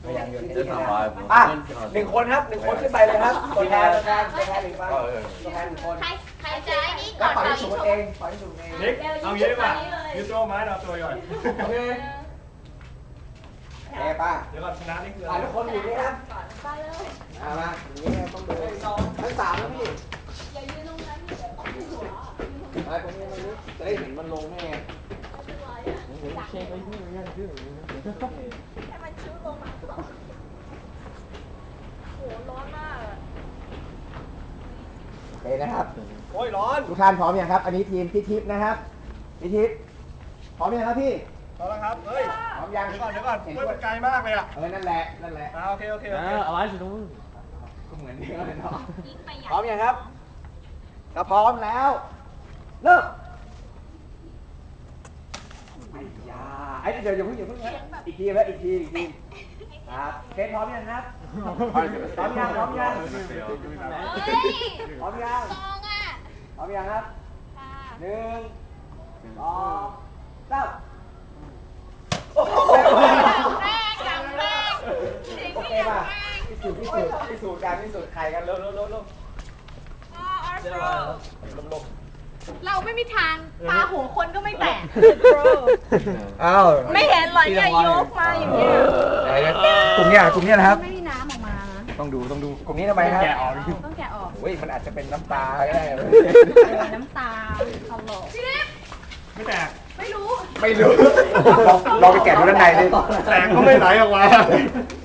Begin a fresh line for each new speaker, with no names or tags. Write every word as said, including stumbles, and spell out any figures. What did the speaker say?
พยายามโยน
จะทำอะไรผม
อ่ะหนึ่งคนครับหนึ่งคนขึ้นไปเลยครับตัวแทนตัวแทนตัวแทนหนึ่งไปตัวแทนหนึ่งคน
ใครใครจะไอ้นี่
ก็
ก่อน
ปล่อย
เป่า
สู
ยิง
ต
ฉุ
รเอบ งปล่อยสูตรเอง
นิกเอางี้ดีกว่ายูโตไม้เราตัวก่อน
โอเคเอ้ป้า
เดี๋ยวก่อนชนะนี่คือ
อ่ะ
อะไร
ทุกคนอยู่นี่นะ
ไปเลย
อ่ะมาอย่างนี้ต้องดูทั้งสามนะพี่
อย่ายืนตรงนั้นเดี๋ยวเอาหัว
ไอ้ตรงนี้ตรงนี้จะได้เห็นมันลงแน่ไง
เช็คไว้ที่มันชื่อให้มันชื้อลงมาก่อนโหร้อนมากอะ
โอเคนะครับ
โอ้ยร้อน
ทุกท่านพร้อมยังครับ อันนี้ทีมพี่ทิพย์นะครับพี่ทิพย์พร้อมยังครับพี่
พอแล้วครับเฮ้ย
พร้อมยัง
เดี๋ยวก่อนเดี๋ยวก่อนเฮ้ยมันไกลมากเลยอ่ะ
เออนั่นแหละนั่นแหละ
อ่าโอเคโอเคโอเค
เอาไว้สิตรงนู้น
ก็เหมือนเดิมเลยเนาะ
ยิงไปอย่าง
พร้อมยังครับถ้าพร้อมแล้วเริ่มไอ้ยาไอ้เดี๋ยวอย่าเพิ่งอย่าเพิ่งนะอีกทีแล้วอีกทีอีกทีครับเทสพร้อมยังครับพร้อมยังพร้อมยัง
เฮ้ย
พร้อมยัง
ซองอ่ะ
พร้อมยังครับ
ค่ะ
หนึ่งสองสาม
แรงจังแรง
โอเคป่ะพิสูจน์พิสูจน์พิสูจน์การพิสูจน์ใครกันเร็วเร็วเร็วเร็ว
อ๋ออาร์โตรเราไม่มีทางตาหัวคนก็ไม่แตก
อ้าว
ไม่เห็นเหรอเนี่ยยกมาอย่างเงี้ย
กลุ่มเนี้ยกลุ่มเนี้ยนะครับ
ไม่มีน้ำออกมานะ
ต้องดูต้องดูกลุ่มนี้ทำไมครับ
แกะออก
ต้องแกะออก
โอ้ยมันอาจจะเป็นน้ำตาก็ได้
น้ำตาตลกพี่เล็ก
ไม่แตก
ไม่รู้
ไม่รู้ลองลองไปแกะดูด้านในดิ
แตกก็ไม่ไหลออกมา